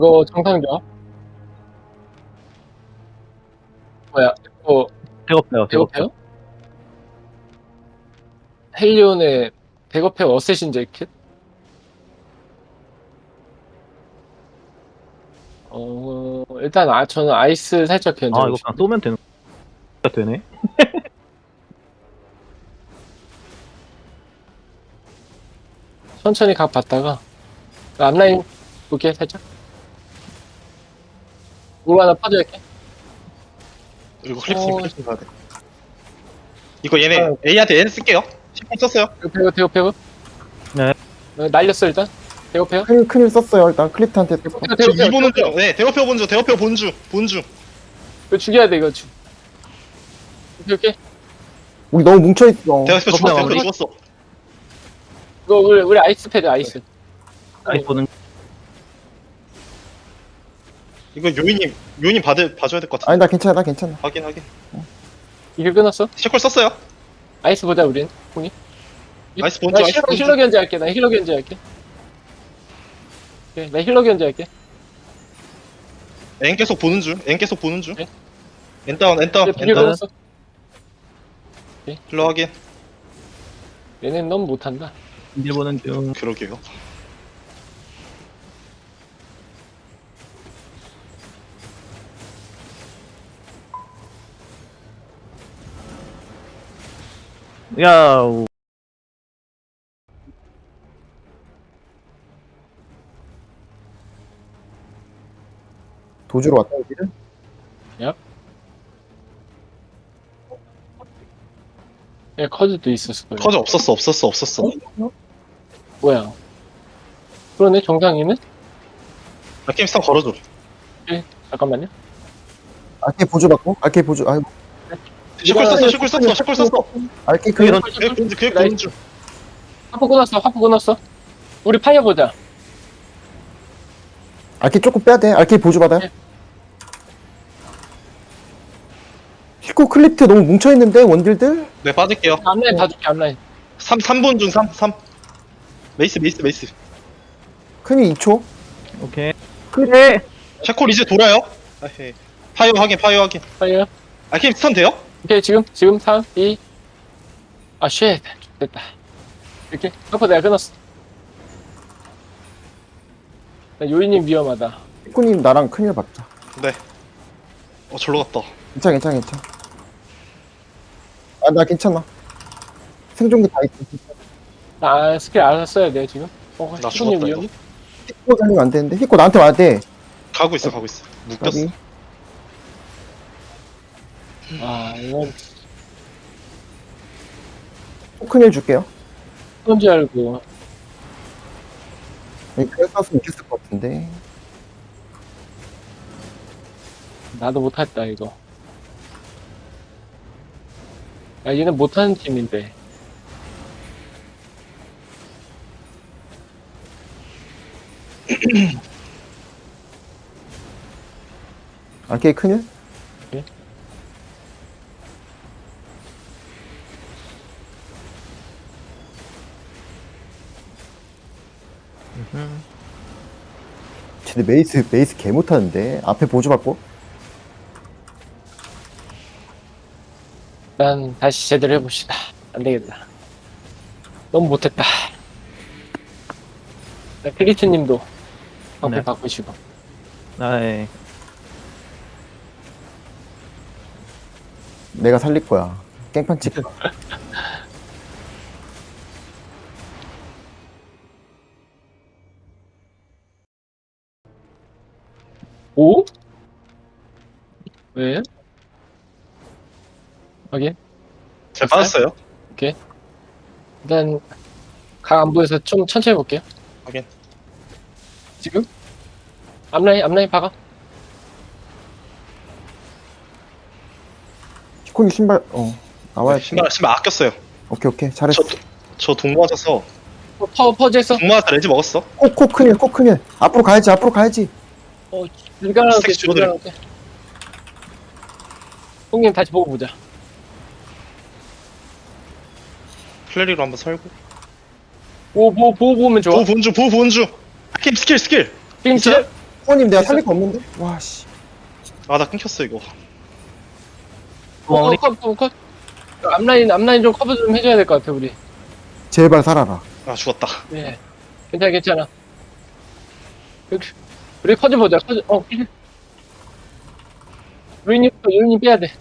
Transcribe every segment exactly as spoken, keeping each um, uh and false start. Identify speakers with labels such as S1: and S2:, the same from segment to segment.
S1: 그거 정상자 뭐야 그거
S2: 배고파요, 배고파요.
S1: 배고파요? 헬리온의 배고파요 어쌔신 재킷? 어 일단 아 저는 아이스 살짝
S2: 아,
S1: 견제하고
S2: 이거
S1: 싶어요.
S2: 그냥 쏘면 되는, 되네?
S1: 천천히 각 봤다가 그 앞라인 볼게 살짝 물 하나 빠져있게.
S3: 이거 클립스
S1: 어.
S3: 클립스 가야 돼. 이거 얘네
S1: 아.
S3: A한테 N 쓸게요. 십 분 썼어요.
S1: 배고 배고 배고
S2: 네.
S1: 어, 날렸어 일단 배고파요?
S4: 큰일, 큰일 썼어요. 일단 클리트한테 썼고.
S1: 배고파요
S3: 지금
S1: 배고파요
S3: 이 보는 중.
S1: 배고파요.
S3: 네, 대어표 본주, 대어표 본주, 본주.
S1: 이거 죽여야 돼 이거 죽 오케이 오케이
S4: 우리 너무 뭉쳐있어.
S3: 대어표 죽었어,
S2: 마무리.
S3: 대어표 죽었어.
S1: 이거 우리 우리 아이스 패드 아이스
S2: 아이스 보는,
S3: 이거 요인님, 요인님 받을 봐줘야 될 것 같아.
S4: 아니, 나 괜찮아, 나 괜찮아.
S3: 확인, 확인.
S1: 이게 끊었어?
S3: 셰콜 썼어요.
S1: 아이스 보자 우린 홍이
S3: 아이스 본주,
S1: 나
S3: 아이스
S1: 힐러,
S3: 본주.
S1: 힐러 견제할게 나 힐러 견제할게 오케이 나 힐러 견제할게
S3: N 계속 보는 중, N 계속 보는 중.
S1: 네.
S3: N 다운, N 다운,
S1: 이제
S3: N
S1: 비교
S3: 다운.
S1: 끊었어
S3: 힐러 확인.
S1: 얘네는 너무 못한다
S2: 인질 보는 중.
S3: 그러게요.
S2: 야, 우-
S4: 도주로 왔다, 여기를?
S1: 예 커즈도 있었을 거예요
S3: 커즈 없었어, 없었어, 없었어.
S1: 뭐야 그러네 정상이는?
S3: 나 게임 스탑 걸어줘.
S1: 잠깐만요
S4: 알케 보조 받고, 알케 보조, 아이고,
S3: 셰콜 썼어, 셰콜 썼어, 셰콜 썼어.
S4: 알케
S2: 그게
S4: 클리트.
S2: 던,
S3: 그게 본주, 그게 본주.
S1: 화포 끊었어 화포 끊었어 우리 파이어 보자
S4: 알케 조금 빼야 돼. 알케 보조 받아요.
S1: 네.
S4: 히코 클리트 너무 뭉쳐있는데, 원딜들?
S3: 네, 빠질게요.
S1: 앞라인 봐줄게 앞라인
S3: 삼, 삼 분 중 삼, 삼. 메이스, 메이스, 메이스.
S4: 큰일 이 초.
S2: 오케이. 그래!
S3: 셰콜 이제 돌아요. 아헤. 파이어 확인, 파이어 확인.
S1: 파이어
S3: 아, 게임 스턴 돼요?
S1: 오케이 지금 지금 삼 이 아쉣 됐다 이렇게 화포 내가 끊었어 나 요인님 위험하다
S4: 히코님 나랑 큰일 받자.
S3: 네. 어, 절로 갔다.
S4: 괜찮아, 괜찮아, 괜찮아. 아, 나 괜찮아. 생존기 다 있어.
S1: 나 스킬 알아서 써야 돼 지금 어
S3: 나
S1: 시군님
S3: 죽었다,
S1: 위험해
S4: 히코 살리면 안 되는데. 히코 나한테 와야 돼.
S3: 가고 있어, 가고 있어. 묶였어.
S4: 여기.
S1: 아 이건
S4: 큰일 줄게요.
S1: 그런 줄 알고
S4: 여기 그래 쐈으면 이겼을 것 같은데.
S1: 나도 못했다 이거 야 얘는 못하는 팀인데
S4: 알케 큰일? 쟤네 메이스, 메이스 개 못하는데. 앞에 보조 받고.
S1: 일단 다시 제대로 해봅시다 안되겠다 너무 못했다 나 크리트님도 방패
S2: 네.
S1: 바꾸시고
S2: 아이,
S4: 내가 살릴 거야. 깽판 찍.
S1: 오? 왜? 확인
S3: 잘 빠졌어요.
S1: 일단 각 안 보여서 좀 천천히 볼게요
S3: 확인.
S1: 지금? 앞라인 앞라인 박아
S4: 히코님 신발, 어. 나와야
S3: 네, 신발, 신발 아꼈어요.
S4: 오케이, 오케이. 잘했어.
S3: 저, 저 동무 맞아서,
S1: 어, 퍼 퍼즈 했어
S3: 동무 맞아서 레지 먹었어.
S4: 꼭, 꼭 큰일, 꼭 큰일. 앞으로 가야지, 앞으로 가야지.
S1: 어 불가능하게
S3: 스택 줄어들어.
S1: 불가능하게 형님 다시 보고 보자
S3: 플레리로 한번 설고.
S1: 보호 보호 보호 보면 좋아
S3: 보호 본주, 보호 본주. 게임 스킬, 스킬.
S1: 지금
S3: 있어요?
S1: 지금
S4: 후원님 내가 살릴 거 없는데? 와씨.
S3: 아 나 끊겼어 이거.
S1: 어,
S2: 우리
S1: 컷, 컷, 컷. 앞라인, 앞라인 좀 커버 좀 해줘야 될 것 같아, 우리.
S4: 제발 살아라.
S3: 아 죽었다.
S1: 네. 괜찮아, 괜찮아. 여기, 우리 커즈 보자, 커즈, 어, 루이님부터, 루이님 빼야 돼.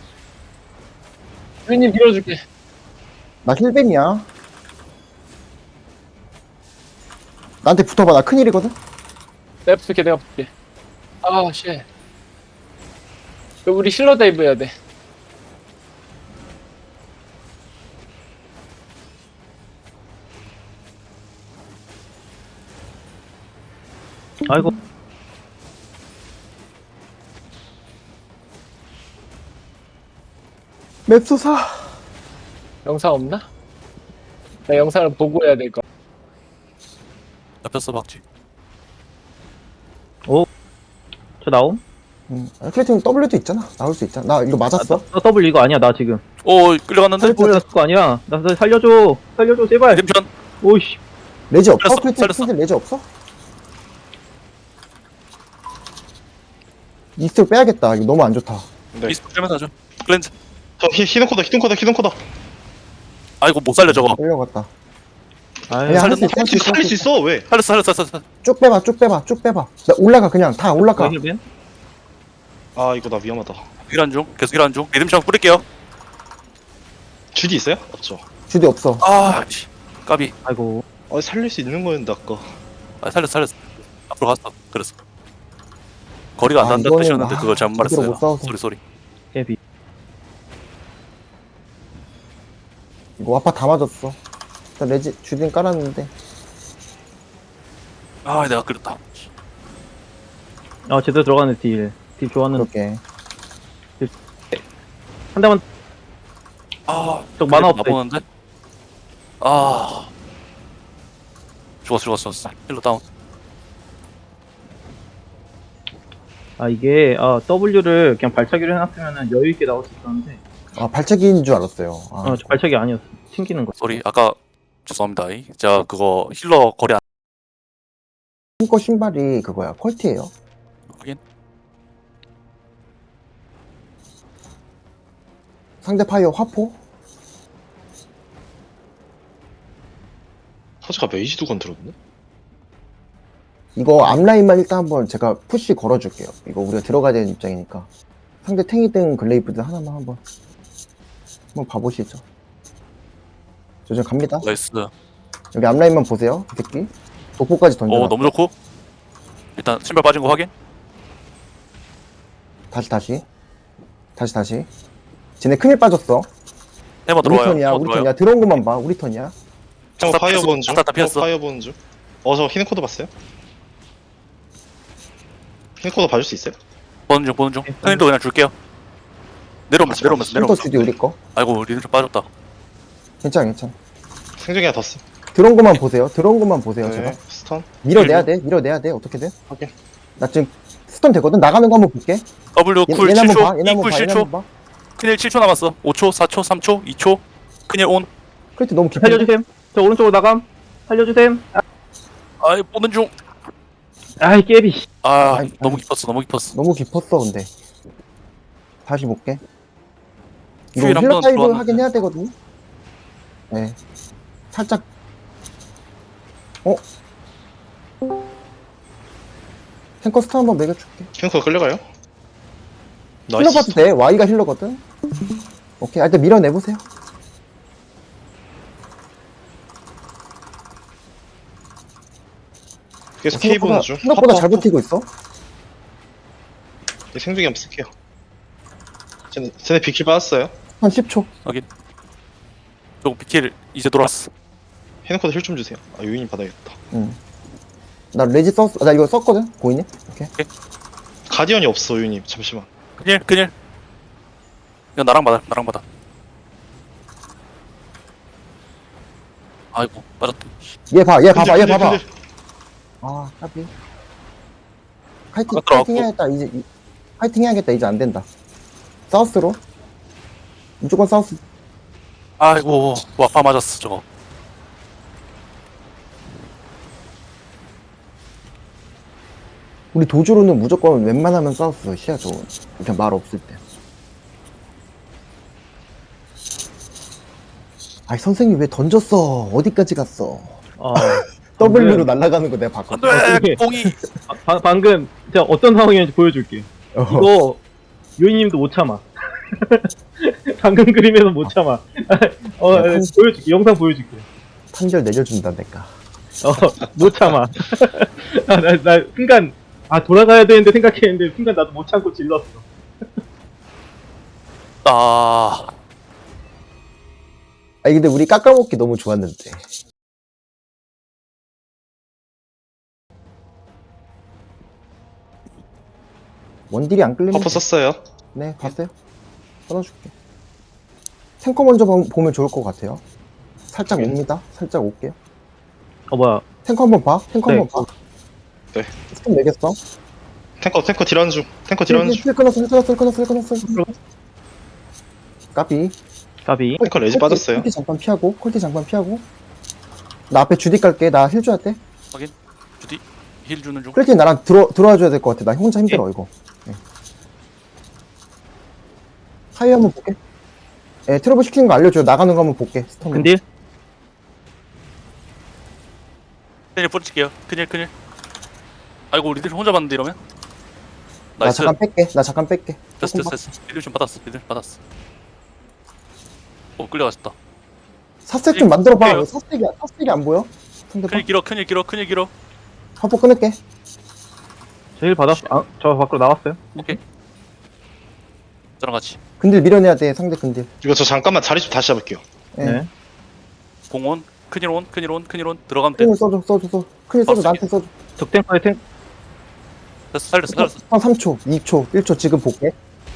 S1: 루이님 밀어줄게.
S4: 나 힐뱀이야. 나한테 붙어봐. 나 큰일이거든?
S1: 내가 붙을게, 내가 붙을게. 아, 쉣. 우리 실러 다이브 해야 돼.
S2: 아이고.
S4: 맵소사.
S1: 영상 없나? 나 영상을 보고 해야 될 거.
S5: 잡혔어 박쥐.
S2: 저 나옴?
S4: 응. 클래팅 W도 있잖아. 나올 수 있잖아. 나 이거 맞았어.
S2: 나 더블 이거 아니야 나 지금.
S5: 오 끌려갔는데.
S2: 살렸거 아니야. 나 살- 살려줘. 살려줘 제발.
S5: 림션.
S2: 오이씨.
S4: 레지 없어?
S5: 살렸어,
S4: 클래팅
S5: 살렸어.
S4: 클래팅 레지 없어? 이스트 빼야겠다. 이거 너무 안 좋다.
S3: 네.
S5: 미스 빼면서 하죠. 클렌즈.
S3: 저 히, 히든코다 히든코다 히든코다.
S5: 아이고 못 살려 저거.
S4: 끌려갔다.
S2: 아이
S4: 야,
S5: 살렸-
S4: 할 수 있어.
S3: 살릴 수 있어, 살릴 수 있어 왜?
S5: 살렸어 살렸어 살렸어.
S4: 쭉 빼봐. 쭉 빼봐. 쭉 빼봐. 나 올라가 그냥 다 올라가.
S2: 힐벤?
S3: 아 이거 나 위험하다.
S5: 일한 중. 계속 일한 중. 리듬션 뿌릴게요.
S3: 주디 있어요? 없죠.
S4: 주디 없어.
S5: 아 씨. 까비.
S2: 아이고.
S3: 아 살릴 수 있는 거였는데 아까.
S5: 아 살렸어 살렸어. 앞으로 갔어. 그랬어. 거리가 안
S4: 아,
S5: 난다
S4: 이거는,
S5: 뜻이었는데
S4: 아,
S5: 그걸 잘못
S4: 제대로
S5: 말했어요.
S4: 못 싸워서.
S5: 소리 소리.
S2: 헤비.
S4: 이거 와파 다 맞았어. 일단 레지 주디는 깔았는데.
S5: 아 내가 끌렸다.
S2: 아 제대로 들어가네 딜. 딜 좋았는데.
S4: 그렇게.
S2: 한 대만.
S5: 아
S2: 저 만화 없다.
S5: 나보는데. 아. 죽었어 죽었어 죽었어. 힐러 다운.
S2: 아 이게 아 W를 그냥 발차기로 해놨으면은 여유 있게 나올 수 있었는데.
S4: 아 발차기인 줄 알았어요. 아,
S2: 어, 저 발차기 아니었어. 튕기는 거.
S5: 소리. 아까 죄송합니다. 제가 그거 힐러 거리 안
S4: 신거 신발이 그거야. 퀄티예요.
S5: 확인.
S4: 상대 파이어 화포.
S3: 허즈가 메이지도 건드렸네.
S4: 이거 앞라인만 일단 한번 제가 푸시 걸어줄게요. 이거 우리가 들어가야 되는 입장이니까. 상대 탱이든 글레이프든 하나만 한번 한번 봐보시죠. 저 지금 갑니다.
S5: 나이스.
S4: 여기 앞라인만 보세요. 이 새끼. 독보까지 던져.
S5: 오 너무 좋고. 일단 신발 빠진 거 확인.
S4: 다시 다시. 다시 다시. 쟤네 큰일 빠졌어.
S5: 해머
S4: 우리
S5: 들어와요.
S4: 턴이야.
S5: 해머
S4: 우리
S5: 들어와요.
S4: 턴이야. 들어온 것만 봐. 우리 턴이야.
S3: 형
S5: 다
S3: 파이어
S5: 피했어.
S3: 보는 중.
S5: 다 피했어.
S3: 형 파이어 보는 중. 어 저 히든코드 봤어요? 히든코드 봐줄 수 있어요?
S5: 보는 중 보는 중. 형님도 그냥 줄게요. 내려오면서 내려오면서
S4: 힐터
S5: 내려오면서.
S4: 주디 우리 거.
S5: 아이고 리듬 좀 빠졌다.
S4: 괜찮아 괜찮아.
S3: 생존이 하나 더 써.
S4: 들어온 것만 보세요. 들어온 것만 보세요.
S3: 네.
S4: 제발.
S3: 스턴.
S4: 밀어내야 돼. 밀어내야 돼. 어떻게든.
S3: 확인.
S4: 나 지금 스턴 되거든. 나가는 거 한번 볼게.
S5: W
S4: 얘,
S5: 쿨
S4: 얘네 한번 봐.
S5: 칠 초.
S4: 얘네
S5: E
S4: 한번
S5: 쿨
S4: 봐. 얘네
S5: 칠 초.
S4: 한번 봐.
S5: 큰일 칠 초 남았어. 오 초, 사 초, 삼 초, 이 초. 큰일 온.
S4: 크리트 너무 깊이.
S2: 살려주셈. 저 오른쪽으로 나감. 살려주셈.
S5: 아이 보는 중.
S2: 아이 깨비.
S5: 아
S4: 아이,
S5: 너무
S4: 아이.
S5: 깊었어 너무 깊었어.
S4: 너무 깊었어 근데. 다시 볼게. 이거
S5: 휴일
S4: 힐러
S5: 한번
S4: 타입을
S5: 들어왔는데.
S4: 하긴 해야 되거든. 네. 살짝. 어? 탱커 스타 한번 매겨줄게.
S3: 히든코드 끌려가요?
S4: 힐러
S3: 나이스.
S4: 봐도 돼. Y가 힐러거든. 오케이. 아, 일단 밀어내보세요.
S3: 계속 K 보는 중.
S4: 생각보다 잘
S3: 하프, 하프.
S4: 버티고 있어.
S3: 얘 생존이 한번 쓸게요. 쟤네, 쟤네 비킬 빠졌어요.
S4: 한 십 초.
S5: 조금 비킬 이제 돌았어.
S3: 히든코드 힐 좀 주세요. 아 유인이 받아야겠다.
S4: 응. 나 레지 썼, 나 이거 썼거든? 보이니? 오케이.
S3: 가디언이 없어 유인이. 잠시만.
S5: 큰일 큰일. 이거 나랑 받아 나랑 받아. 아이고 빠졌다.
S4: 얘 봐, 얘 봐봐, 얘
S3: 근데,
S4: 봐봐.
S3: 근데,
S4: 아, 까비. 파이팅,
S5: 아, 들어갔고.
S4: 파이팅 해야겠다. 이제, 이- 파이팅 해야겠다. 이제 안 된다. 사우스로. 무조건 사우스.
S5: 아이고 와파 맞았어 저거.
S4: 우리 도주로는 무조건 웬만하면 싸웠어. 시야 좋은. 그냥 말 없을 때. 아이 선생님 왜 던졌어? 어디까지 갔어?
S2: 어,
S4: 더블유로 날아가는 거 내가 봤거든.
S5: 안돼 공이.
S2: 바, 방금 제가 어떤 상황이었는지 보여줄게.
S4: 어.
S2: 이거 요인님도 못 참아. 방금 그림에서 못 참아. 어,
S4: 야, 판-
S2: 보여줄게. 영상 보여줄게.
S4: 판결 내려준다 내가.
S2: 어, 못 참아. 아, 나, 나 순간 아 돌아가야 되는데 생각했는데 순간 나도 못 참고 질렀어.
S5: 아
S4: 아니 근데 우리 깎아먹기 너무 좋았는데. 원딜이 안 끌리면
S3: 버프 썼어요.
S4: 네 봤어요? 끊어줄게. 탱커 먼저 보- 보면 좋을 것 같아요. 살짝
S3: 네.
S4: 옵니다. 살짝 올게요.
S2: 어 뭐야?
S4: 탱커 한번 봐. 탱커
S2: 네.
S4: 한번 봐.
S3: 네.
S4: 스톱 내겠어.
S3: 탱커 탱커 딜하는 중. 탱커 딜하는 중.
S4: 힐 끊었어. 힐 끊었어. 힐 끊었어. 힐 끊었어. 까비.
S2: 까비.
S3: 탱커 레지 빠졌어요.
S4: 콜티 잠깐 피하고. 콜티 잠깐 피하고. 나 앞에 주디 깔게. 나 힐 줘야 돼.
S5: 확인. 주디 힐 주는 중.
S4: 콜티 나랑 들어 들어와 줘야 될 것 같아. 나 혼자 힘들어 이거. 네. 하이 한번 볼게. 예, 트러블 시키는 거 알려줘요. 나가는 거 한번 볼게. 스톰.
S2: 근딜?
S5: 큰일 뿌리칠게요. 큰일 큰일. 아이고 우리들 혼자 봤는데 이러면.
S4: 나
S5: 나이스.
S4: 잠깐 뺄게. 나 잠깐 뺄게.
S5: 됐어
S4: 조금
S5: 됐어 됐어. 미들 좀 받았어. 미들 받았어. 오 끌려갔다.
S4: 사색 좀 만들어봐.
S5: 볼게요.
S4: 왜 사색이, 사색이 안 보여? 상대방.
S5: 큰일 길어 큰일 길어 큰일 길어.
S4: 화포 끊을게.
S2: 제일 받았어. 아, 저 밖으로 나왔어요.
S5: 오케이. 저랑 같이.
S4: 근딜 밀어내야 돼. 상대 근딜.
S3: 이거 저 잠깐만 자리 좀 다시 잡을게요.
S4: 예.
S2: 네.
S5: 공온 큰일 온 큰일 온 큰일 온 들어가면 돼.
S4: 큰일 써줘, 써줘, 써줘. 큰일 써줘.
S5: 어,
S4: 나한테 써줘.
S2: 적탱커의 탱.
S5: 됐어 살렸어 살렸어.
S4: 한 삼 초, 이 초, 일 초 지금 볼게.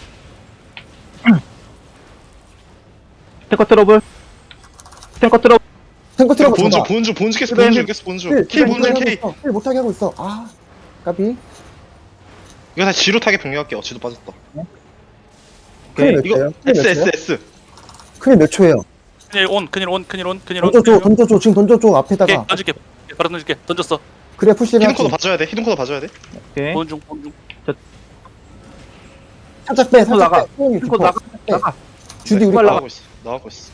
S2: 탱커 트러블. 탱커 트러블.
S4: 탱커 트러블
S3: 보는 중
S4: 줘봐.
S3: 보는 중 보는 중 계속
S4: 힐,
S3: 보는 중
S4: 힐,
S3: 계속 보는
S4: 힐,
S3: 중. K
S4: 힐
S3: 보는 중
S4: 못하게
S3: K.
S4: 하고 있어. 힐 못하게 하고 있어. 아, 까비.
S3: 이거 다시 지로 타게 변경할게요. 지도 빠졌다.
S4: 큰일 몇
S3: 이거
S4: 초예요? 큰일
S3: S
S4: 몇 초예요?
S3: S S.
S4: 큰일 몇 초예요?
S5: 큰일 온 큰일 온 큰일 온 큰일 온.
S4: 던져줘, 던져줘. 지금 던져줘.
S5: 오케이
S4: 앞에다가.
S5: 던질게. 바로 던질게. 던졌어.
S4: 그래, 푸시를
S3: 히든
S4: 하지.
S3: 코드 봐줘야 돼. 히든 코드 봐줘야 돼.
S2: 오케이.
S5: 보는 중 보는 중.
S4: 살짝 빼, 살짝
S2: 나가.
S4: 빼. 소용이
S2: 탱커
S4: 깊어.
S2: 나가.
S4: 빼.
S2: 나가.
S4: 주디 우리
S2: 빨리
S4: 거.
S3: 나가고 있어. 나가고 있어.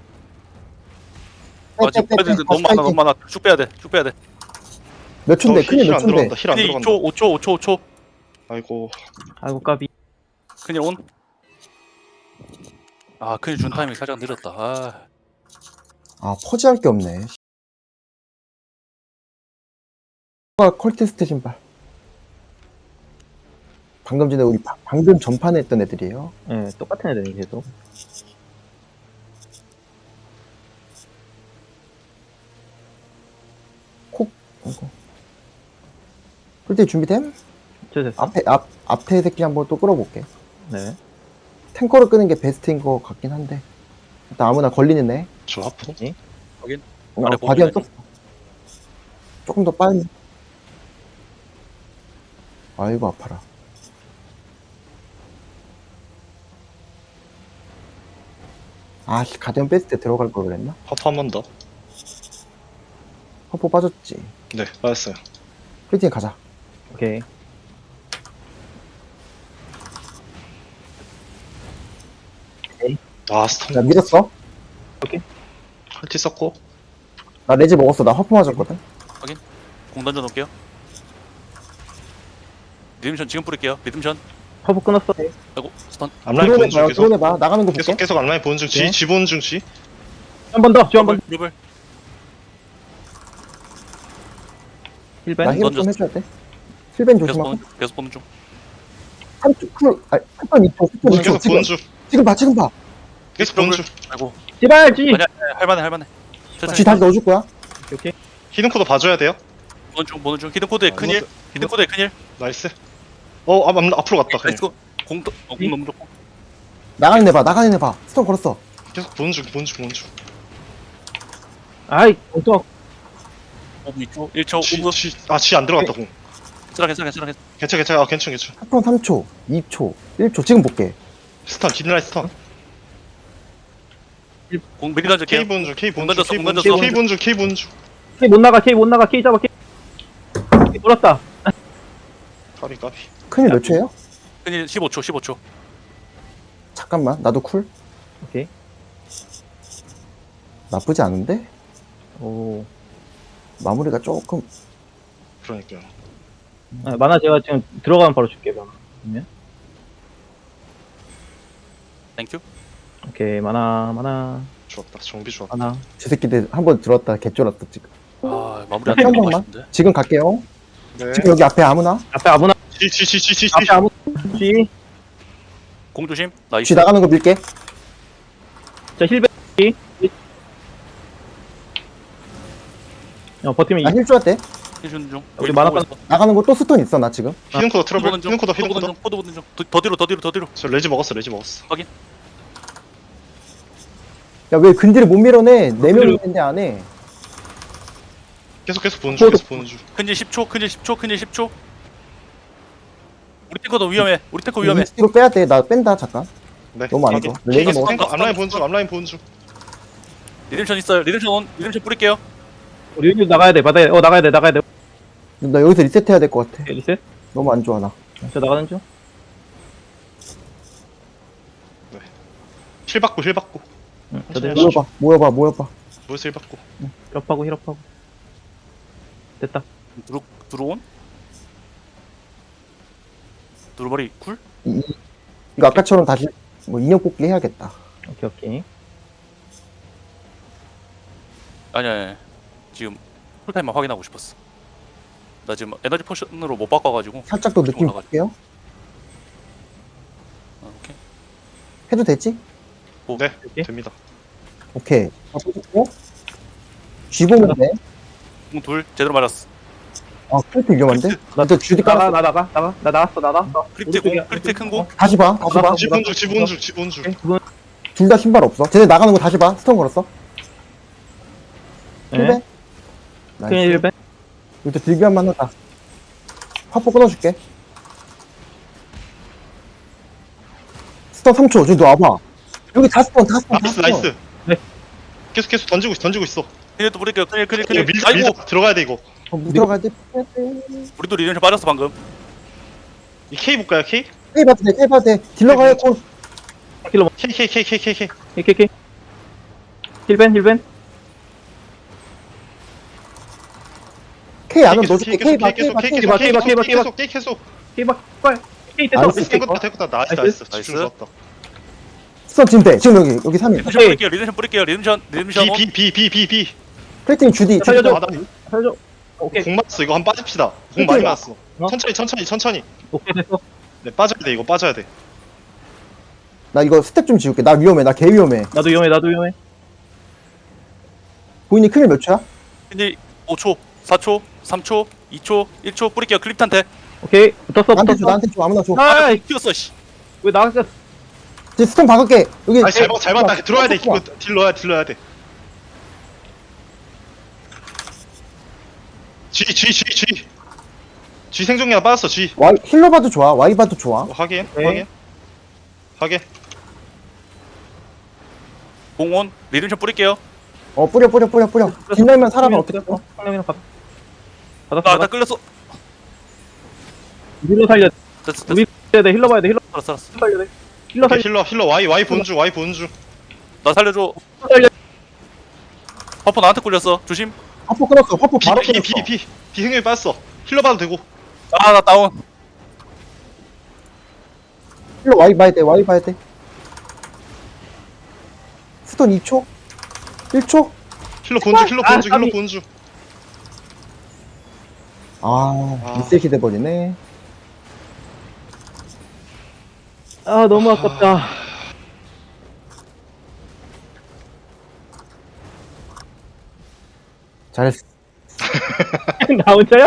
S4: 빼,
S5: 아 지금
S4: 빼, 빼,
S5: 애들
S4: 빼.
S5: 너무
S4: 다시
S5: 많아
S4: 파이팅.
S5: 너무 많아. 쭉 빼야 돼. 쭉 빼야 돼.
S4: 몇 초인데? 큰일 몇
S3: 힐안
S4: 초인데?
S3: 들어간다. 힐 안
S5: 큰일
S3: 들어간다.
S5: 이 초 오 초 오 초 오 초.
S3: 아이고.
S2: 아이고 까비.
S5: 큰일 온. 아 큰일 준 타이밍 살짝 늦었다. 아.
S4: 아, 퍼지할 게 없네. 컬티스트 신발. 방금 전에 우리 바- 방금 전판에 했던 애들이에요.
S2: 예, 네, 똑같은 애들이 계속.
S4: 콕. 이거. 컬티 준비됨?
S2: 저 됐어.
S4: 앞에 앞 앞에 새끼 한번 또 끌어볼게.
S2: 네.
S4: 탱커를 끄는 게 베스트인 것 같긴 한데. 일단 아무나 걸리는 애.
S3: 저 하프.
S4: 어,
S5: 아래
S4: 바디언
S5: 보면
S4: 썼어. 조금 더 빨리. 아이고 아파라. 아씨 가디언 뺐을 때 들어갈 걸 그랬나?
S3: 하프 한 번 더.
S4: 허포 빠졌지.
S3: 네, 맞았어요.
S4: 프리팅 가자.
S2: 오케이.
S3: 아, 스톰.
S4: 나 밀었어.
S3: 컬티 썼고.
S4: 나 레지 먹었어. 나 허포 맞았거든.
S5: 공 던져 놓을게요. 리듬션 지금 뿌릴게요. 리듬션.
S2: 허브 끊었어.
S5: 아이고 스턴.
S3: 앞라인 보는 중
S4: 드론해봐요.
S3: 계속.
S4: 드론해봐. 나가는 거 볼게.
S3: 계속 계속 앞라인 보는 중.
S4: 네.
S3: 지, 지 보는 중 지.
S2: 한 번 더. 쥐한 번.
S5: 드블.
S2: 힐벤.
S4: 나 힐 좀
S5: 던졌어.
S4: 해줘야 돼. 힐벤
S5: 계속
S4: 조심하고.
S5: 보는 중. 계속 보는 중.
S4: 한 초, 쿨, 아니, 한번 이 초, 십 초, 이 초.
S3: 계속
S4: 지금,
S3: 보는 중.
S4: 지금 봐, 지금 봐.
S3: 계속 보는 중.
S5: 아이고.
S2: 제발 쥐.
S5: 아니야 아니야, 할만해 할만해.
S4: 쥐 다시 넣어줄 거야.
S2: 오케이.
S3: 히든 코드 봐줘야 돼요.
S5: 보는 중 보는 중. 히든 코드에
S3: 아,
S5: 큰일.
S3: 이것도-
S5: 히든 코드에 큰일.
S3: 나이스. 어, 앞, 앞, 앞으로 갔다. 그냥.
S5: 나이스 고. 공 또- 어, 공 너무 좋고.
S4: 나가는 애 봐, 나가는 애 봐. 스톤 걸었어.
S3: 계속 보는 중, 보는 중, 보는 중.
S2: 아이 또
S5: 오 이 초 일 초
S3: 지,
S5: 오 분.
S3: 지, 아, 지 안 들어갔다, 공.
S5: 괜찮아 괜찮아 괜찮아.
S3: 괜찮아, 괜찮아. 아, 괜찮아, 괜찮아.
S4: 스톤 삼 초, 이 초, 일 초. 지금 볼게.
S3: 스턴, 뒷라인 스턴.
S5: 공 미리 던질게요.
S3: K 보는 중, K 보는
S5: 공
S3: 중,
S5: 던졌어,
S3: K
S5: 공
S3: 보는 중,
S5: 던졌어.
S3: K 보는 중, K 보는 중.
S2: K 못 나가. K 못 나가. K 잡아. K. K 돌았다.
S3: 까비 까비.
S4: 큰일 몇 초예요?
S5: 큰일 십오 초 십오 초.
S4: 잠깐만, 나도 쿨.
S2: 오케이.
S4: 나쁘지 않은데?
S2: 오.
S4: 마무리가 조금.
S3: 그러니까요.
S2: 아, 만화 제가 지금 들어가면 바로 줄게요. 그러면. 그러면.
S5: 땡큐.
S2: 오케이, 만화, 만화,
S3: 좋았다. 정비 좋았다.
S2: 만화.
S4: 저 새끼들 한 번 들었다 개쫄았다 지금.
S5: 아 마무리 안
S4: 한
S5: 되는 거
S4: 번만.
S5: 같은데.
S4: 지금 갈게요.
S3: 네.
S4: 지금 여기 앞에 아무나.
S2: 앞에 아무나,
S3: 지지지지지.
S2: 앞에 아무나, G.
S5: 공 조심. 나이스.
S4: 쥐 나가는 거 밀게.
S2: 자, 힐백, G. 어, 버티면
S4: 나
S2: 이.
S4: 힐 줘야 돼.
S5: 힐준 중.
S2: 우리 만화 깐-
S4: 나가는 거 또 스톤 있어 나 지금.
S3: 히든 코더 트러블.
S5: 포드 보는 중.
S3: 히든 코더
S5: 포드
S3: 히든
S5: 보는
S3: 코더.
S5: 중. 포드 보는 중. 더- 더 뒤로 더 뒤로 더 뒤로.
S3: 저 레지 먹었어. 레지 먹었어.
S4: 야 왜 근딜을 못 밀어내? 네 명
S2: 근딜을-
S4: 있는데 안 해.
S3: 계속 계속 보는 중.
S2: 코더.
S3: 계속 보는 중.
S5: 큰일 십 초. 큰일 십 초. 큰일 십 초. 우리 탱커도 위험해. 우리 탱커 위험해.
S4: 이십 킬로 빼야 돼. 나 뺀다 잠깐.
S3: 네.
S4: 너무 안
S3: 확인.
S4: 좋아. 레지
S3: 탱커,
S4: 먹었어.
S3: 탱커 앞라인 보는 중. 앞라인 보는 중.
S5: 리듬션 있어요. 리듬션 온. 리듬션 뿌릴게요.
S2: 우리 여기 나가야 돼, 받아야 돼. 어, 나가야 돼, 나가야 돼.
S4: 나 여기서 리셋해야 될 것 같아.
S2: 오케이, 리셋.
S4: 너무 안 좋아 나.
S2: 저 나가는 중.
S3: 힐 받고 힐 받고.
S2: 응,
S3: 천천히
S2: 저들
S3: 하시죠.
S4: 모여봐 모여봐 모여봐.
S3: 뭐에서 힐 받고.
S2: 힐업하고, 힐업하고. 됐다.
S5: 드루 드로온. 드루머리 쿨.
S4: 이거 아까처럼 다시 뭐 인형 뽑기 해야겠다.
S2: 오케이, 오케이.
S5: 아니야. 아니, 아니. 지금 풀타임만 확인하고 싶었어. 나 지금 에너지 포션으로 못 바꿔가지고.
S4: 살짝 더 느낌
S5: 올라가죠.
S4: 볼게요.
S5: 아, 오케이.
S4: 해도 되지?
S3: 네.
S2: 오케이.
S3: 됩니다.
S4: 오케이. 아, 뽑고. 쥐보면 돼.
S5: 공 둘 제대로 맞았어.
S4: 아 크리트 위험한데? 나도 주디
S2: 나가,
S4: 깔았어.
S2: 나 나가, 나가. 나 나왔어, 나 나왔어.
S5: 크리트 공.
S2: 오른쪽이야,
S5: 크리트 큰 공.
S4: 다시 봐. 다시 봐.
S3: 지분 중. 지분 중. 지분 중.
S2: 오케이, 두 분.
S4: 둘 다 신발 없어. 쟤네 나가는 거 다시 봐. 스톤 걸었어. 힐베.
S2: 네.
S4: 나이스.
S2: 큰일 힐백.
S4: 이거 들기 한번 하다. 화포 끊어줄게. 스톤 삼 초. 저기 너 와봐. 여기 다 스톤, 다 스톤, 다
S3: 나이스
S4: 스톤.
S3: 나이스.
S2: 네.
S3: 계속 계속 던지고 있어. 던지고 있어.
S5: 큰일도 뿌릴게요. 큰일 큰일
S3: 이거
S5: 큰일.
S3: 밀자
S5: 아이고.
S3: 밀자. 들어가야 돼 이거.
S4: 어, 못 들어가야 돼.
S5: 우리도 리듬션 빠졌어 방금.
S3: 이 K 볼까요 K?
S4: K 봐도 돼, K 봐도 돼. 딜러 가야 콜.
S2: 킬로
S3: K K K K K K.
S2: 오케이, 오케이. 힐벤, 힐벤.
S4: K 안은
S3: 계속,
S4: 넣어줄게.
S3: 계속,
S4: K 봐, K
S3: 계속,
S4: 봐,
S3: 계속,
S4: K
S2: 봐,
S4: 봐.
S2: K 봐, K 봐, K 봐.
S3: 계속 계속 계속.
S2: 케이박, 빨. 케이 됐어.
S4: 나이스.
S3: 됐다 됐다. 나이스
S2: 나이스.
S3: 나이스. 집중
S5: 나이스.
S3: 좋았다.
S4: 스톤 지금 돼. 지금 여기, 여기 삼 인.
S5: 리듬션 뿌릴게요. 리듬션 뿌릴게요. 리듬션 리듬션 온.
S3: B B B B B B.
S4: 크리팅 주디. 주디.
S2: 살려줘.
S3: 아, 나
S2: 살려줘. 오케이,
S3: 공 맞았어. 이거 한 번 빠집시다. 공 많이 맞았어.
S2: 어?
S3: 천천히 천천히 천천히.
S2: 오케이, 됐어.
S3: 네 빠져야 돼. 이거 빠져야 돼.
S4: 나 이거 스택 좀 지울게. 나 위험해. 나 개 위험해.
S2: 나도 위험해, 나도 위험해.
S4: 보이니 큰일 몇 초야?
S5: 큰일 오 초, 사 초, 삼 초, 이 초, 일 초 뿌릴게요. 클립탄테.
S2: 오케이, 붙었어,
S4: 나한테 줘,
S2: 붙었어.
S4: 나한테 줘. 아무나 줘.
S2: 아,
S5: 튀었어 씨.
S2: 왜 나갔어?
S4: 이제 스톤 박을게. 여기.
S3: 아니 잘 봤, 잘 봤다. 들어와야 돼.
S4: 스톤
S3: 이거 딜 넣어야 딜 넣어야 돼. G G G G. G 생존기가 빠졌어. G.
S4: 와이, 힐러 봐도 좋아. 와이 봐도 좋아.
S3: 어, 확인
S2: 네.
S3: 확인 확인.
S5: 공온 리듬션 뿌릴게요.
S4: 어, 뿌려, 뿌려, 뿌려, 뿌려. 뒷날만 살아봐. 어떻게 해?
S2: 상남이랑 받. 받았어,
S5: 나 나
S2: 받았어.
S5: 끌렸어.
S2: 힐러 살려.
S5: 됐어 됐어.
S2: 우리 해야 돼, 힐러 봐야 돼, 힐러
S5: 알았어 알았어.
S2: 살려야 돼. 힐러
S3: 오케이,
S2: 살려.
S3: 힐러 힐러 Y Y 보는 중 Y 보는 중.
S5: 나 살려줘.
S2: 힐러 살려.
S5: 퍼퍼 나한테 꿀렸어. 조심.
S4: 화포 끊었어. 화포
S3: B
S4: 바로
S3: B
S4: 끊었어.
S3: B B B 생존기 빠졌어. 힐러 봐도 되고.
S5: 아 나 다운.
S4: 힐러 와이 봐야 돼. 와이 봐야 돼. 스톤 이 초? 일 초?
S3: 힐러 보는 중 힐러
S2: 아,
S3: 보는 중 힐러
S2: 까비.
S3: 보는 중.
S4: 아,
S3: 아.
S4: 리셋이 돼버리네.
S2: 아, 너무 아깝다.
S4: 잘했어.
S2: 나 혼자야?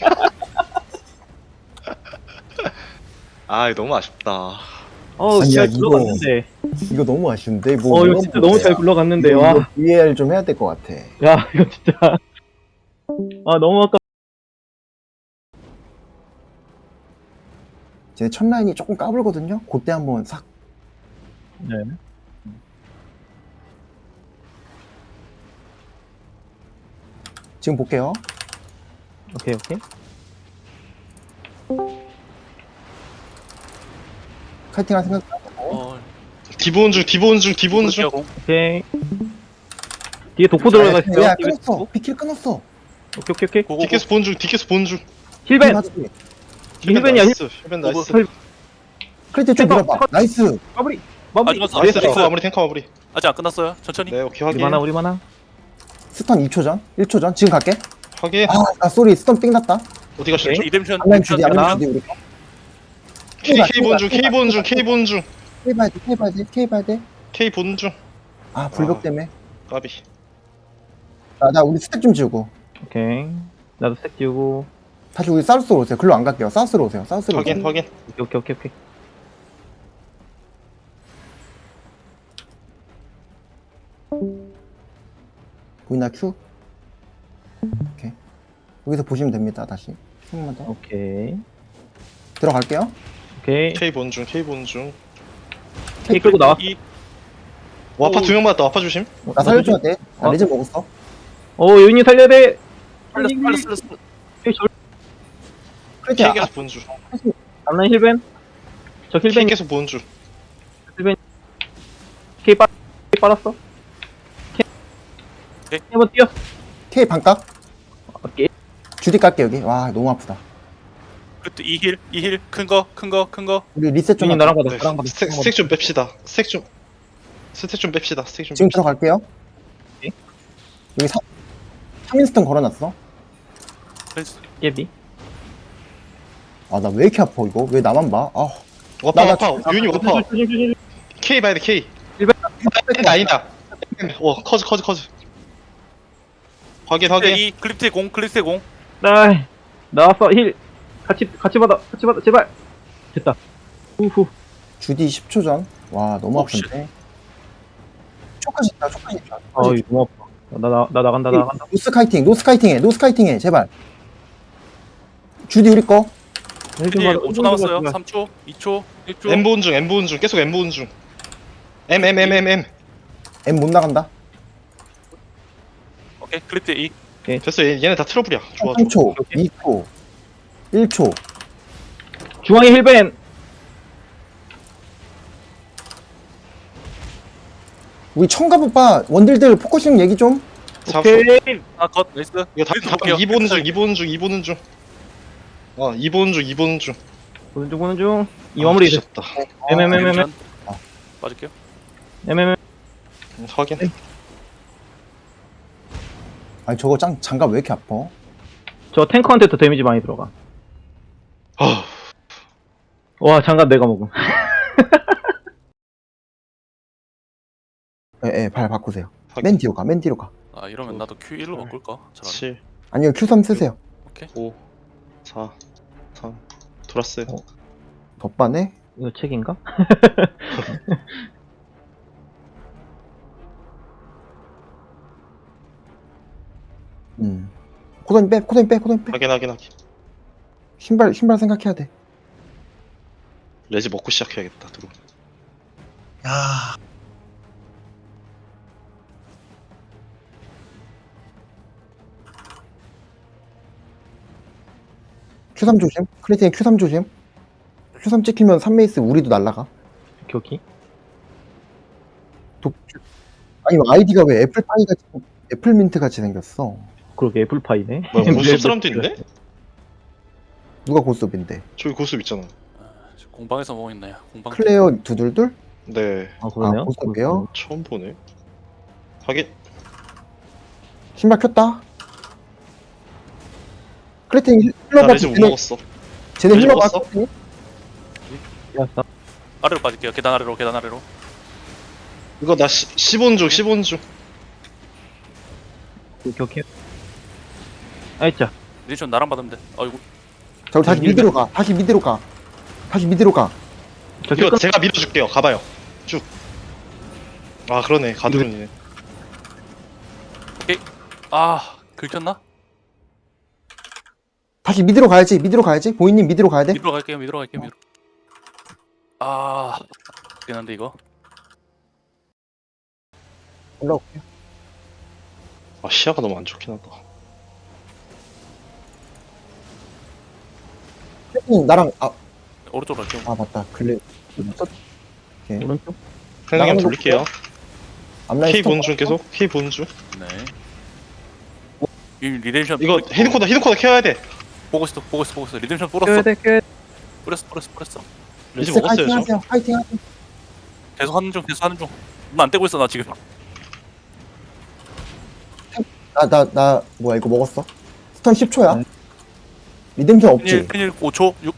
S3: 아 이거 너무 아쉽다.
S2: 어,
S4: 아니야,
S2: 잘
S4: 이거-
S2: 굴러갔는데.
S4: 이거 너무 아쉬운데. 뭐
S2: 어, 이거
S4: 이런
S2: 진짜
S4: 거
S2: 너무
S4: 어때요?
S2: 잘 굴러갔는데,
S4: 이거,
S2: 와.
S4: 이거 브이에이알 좀 해야 될 것 같아.
S2: 야, 이거 진짜. 아, 너무 아깝다.
S4: 쟤네 첫 라인이 조금 까불거든요? 그때 한번 싹.
S2: 네.
S4: 지금 볼게요.
S2: 오케이, 오케이.
S4: 카이팅 할 생각.
S5: 어,
S3: 디보온 중 디보온 중 디보온 중
S5: 공.
S2: 오케이. 뒤에 독포 들어가 있어요.
S4: 야,
S2: 뒤에
S4: 끊었어.
S2: 독포.
S4: 비킬 끊었어.
S2: 오케이 오케이 오케이.
S5: 고고.
S3: 디케스 본 중 디케스 본중
S2: 힐벤.
S4: 맞지?
S2: 힐벤이야.
S3: 나이스 힐벤 나이스
S2: 힐-
S4: 크리트 좀
S2: 탱커,
S4: 밀어봐.
S2: 탱커.
S4: 나이스.
S2: 마무리. 마무리.
S5: 아,
S3: 나이스 탱커
S5: 나이스.
S3: 마무리 탱커 마무리
S5: 아직 안 끝났어요. 천천히.
S3: 네 오케이
S2: 우리
S3: 확인
S2: 만화 우리 만화.
S4: 스턴 이 초 전. 일 초 전. 지금 갈게.
S3: 확인
S4: 아, 나 쏘리. 스턴 삥 났다.
S3: 어디 가셨죠?
S5: 리뎀션.
S4: 안면 주디, 안면
S2: 하나.
S4: 주디 우리.
S3: K K 본 중 K 본 중 K 본 중
S4: K 봐야 돼. K 봐야 돼. K 봐야 돼.
S3: K 본 중
S4: 아, 불벽
S3: 아.
S4: 때문에.
S3: 까비
S4: 나, 나 우리 스택 좀 지우고.
S2: 오케이. 나도 스택 지우고.
S4: 다시 우리 사우스로 오세요. 글로 안 갈게요. 사우스로 오세요. 사우스로 오세요.
S3: 확인 확인
S2: 오케이 오케이 오케이.
S4: 보이나 큐? 오케이. 여기서 보시면 됩니다. 다시. 한 번만 더.
S2: 오케이.
S4: 들어갈게요.
S2: 오케이.
S3: K 본 중 K 본 중
S2: K 끌고 나와.
S5: 이
S3: 와파 두 명 맞다 와파 조심
S4: 나 살려줘야 돼. 나
S2: 어?
S4: 레즈 먹었어.
S2: 오 요인이 살려야 돼.
S5: 빨렸어 빨렸어 빨렸어.
S4: 크리트
S3: K
S4: 아,
S3: 계속 본중
S2: 앞라인 힐벤. 저
S3: K
S2: 힐벤
S3: 계속 본중
S2: K 빠 K 빨았어. K.
S5: 오케이.
S2: 한번 뛰어.
S4: K 반각.
S2: 오케이.
S4: 주디 깔게 여기. 와, 너무 아프다.
S5: 그때 이힐 이힐 큰 거 큰 거 큰 거.
S4: 우리 리셋 좀
S2: 요인
S4: 할게.
S2: 나랑 받아.
S3: 네,
S2: 나랑 받아.
S3: 스택 스택 좀 뺍시다 스택 좀 스택 좀 뺍시다 스택 좀
S4: 지금
S3: 뺍시다
S4: 들어갈게요.
S2: 오케이.
S4: 여기 사, 삼인스턴 걸어놨어.
S5: 그래서
S2: 예비.
S4: 아, 나 왜 이렇게 아파 이거? 왜 나만 봐? 아,
S3: 와파
S4: 나-
S3: 와파 유니 와파
S2: 조심 조심 조심.
S3: K 봐야 돼 K
S2: 일반-
S3: 아니다 아니다 와 커즈 커즈 커즈 확인 확인
S5: 이 클립트 공 클립트 공.
S2: 나이 나왔어 힐. 같이 같이 받아 같이 받아 제발. 됐다. 우후.
S4: 주디 십 초 전. 와, 너무
S5: 오, 씨.
S4: 아픈데. 초까지 있다. 초까지 있다.
S2: 어이 너무 아파. 나, 나, 나 나간다 나 나간다.
S4: 노스 카이팅, 노스 카이팅해, 노스 카이팅해, 제발. 주디 우리 거.
S5: 일 오 초 남았어요. 삼 초, 이 초, 일 초.
S3: M 본 중 M 본 중 계속 M 본 중 M M M M M
S4: M 못 나간다.
S5: 오케이 클립트 이.
S3: 됐어 얘, 얘네 다 트러블이야 좋아
S4: 삼
S3: 좋아
S4: 초, 이 초, 일 초.
S2: 중앙에 힐벤.
S4: 우리 청갑 오빠 원딜들 포커싱 얘기 좀.
S3: 잡았어
S2: 오케이.
S5: 아컷 나이스.
S3: 이거 다,
S5: 클립트
S3: 다
S5: 볼게요.
S3: 이 본 중 이 본 중 이 보는 중 어, 이 보는 중 이 보는 중
S2: 보는 중 보는 중. 이 마무리.
S3: 다
S2: 엠엠엠엠.
S5: 리뎀션. 빠질게요.
S2: 엠엠엠.
S3: 확인
S4: 아니 저거 짱 장갑 왜 이렇게 아파?
S2: 저 탱커한테 더 데미지 많이 들어가.
S3: 아
S2: 와 장갑 내가 먹음.
S4: 예, 예, 발 바꾸세요.
S3: 확인.
S4: 맨 뒤로 가, 맨 뒤로 가.
S5: 아 이러면 나도 큐 일로 바꿀까? 잘하네.
S3: 칠
S4: 아니요, 큐 삼 쓰세요.
S3: 오 사 삼 돌았어요
S4: 어. 덧바네.
S2: 이거 책인가?
S4: 음. 코도니 빼, 코도니 빼, 코도니 빼.
S3: 확인 확인 확인
S4: 신발, 신발 생각해야 돼.
S3: 레지 먹고 시작해야겠다 들어
S4: 큐 삼 조심. 크리팅에 큐 삼 조심. 큐 삼 찍히면 삼 메이스 우리도 날라가.
S2: 오케이 오케이.
S4: 독... 아니 아이디가 왜 애플파이 같이 애플민트 같이 생겼어?
S2: 그러게 애플파이네.
S3: 뭐야 고수업 사람도 있네?
S4: 누가 고스톱인데?
S3: 저기 고수업 있잖아
S5: 아, 지금 공방에서 뭐 있나요? 공방.
S4: 클레어 두둘둘?
S3: 네
S2: 아 그러네요.
S4: 아, 고스톱이요?
S3: 처음 보네 확인
S4: 신발 켰다. 크리팅 힐러
S3: 나
S4: 봐.
S3: 레지 못
S4: 쟤네,
S3: 먹었어
S4: 쟤네
S3: 레지
S4: 힐러 봐.
S3: 먹었어?
S2: 야,
S5: 아래로 빠질게요. 계단 아래로 계단 아래로.
S3: 이거 나 시, 십온 중 십온 중
S2: 오케이 오케이. 아이짜.
S5: 리뎀션 나랑 받으면 돼. 아이고.
S4: 저 다시
S2: 힐러.
S4: 미드로 가. 다시 미드로 가. 다시 미드로 가.
S2: 저
S3: 이거
S2: 끝.
S3: 제가 밀어줄게요 가봐요 쭉아 그러네 가드론이네
S5: 아 긁혔나?
S4: 다시 미드로 가야지. 미드로 가야지. 보이님 미드로 가야 돼.
S5: 미드로 갈게요. 미드로 갈게요. 미드로. 아. 그긴 한데 이거.
S4: 올라올게.
S3: 아 시야가 너무 안 좋긴 하다
S4: 크리팅 나랑 아
S5: 오른쪽으로 할게요.
S4: 아 맞다 글레 오케이
S2: 오른쪽.
S3: 생각이
S4: 나가는
S3: 돌릴게요.
S4: 앞라인
S3: K
S4: 스톱
S3: 보는 중 계속. K 보는 중.
S5: 네. 이 리뎀션
S3: 이거 히든코더 히든코더 케어해야 돼.
S5: 보고 있어 보고 있어 보고 있어. 리뎀션
S2: 껴야
S5: 뿌렸어.
S2: 돼, 껴야 돼.
S5: 뿌렸어 뿌렸어 뿌렸어.
S3: 이제
S4: 엑스
S3: 먹었어요
S4: 파이팅
S3: 저.
S4: 하세요 파이팅 하세요
S5: 계속 하는 중 계속 하는 중. 나 안 떼고 있어 나 지금.
S4: 나나 나 뭐야 이거 먹었어 스턴 십 초야 리뎀션 없지
S5: 펜일 펜일 오 초 육.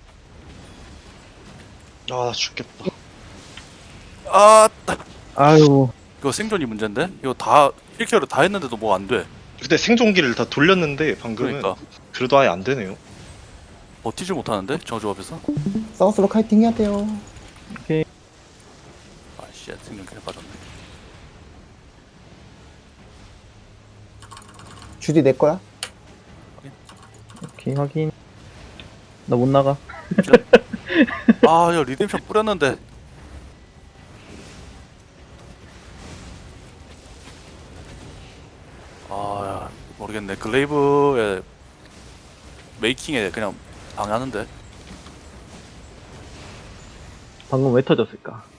S3: 아 죽겠다.
S5: 아
S2: 아유.
S5: 이거 생존이 문제인데? 이거 다 힐케어를 다 했는데도 뭐 안 돼.
S3: 그때 생존기를 다 돌렸는데 방금은
S5: 그러니까
S3: 그래도 아예 안 되네요.
S5: 버티질 못하는데 저조 앞에서.
S4: 사우스로 카이팅 해야 돼요
S5: 아씨 생존 킬 빠졌네.
S4: 주디 내 거야
S2: 오케이, 확인. 나 못 나가.
S5: 아야 리뎀션 뿌렸는데. 아 모르겠네. 글레이브의 메이킹에 그냥 방해하는데.
S2: 방금 왜 터졌을까?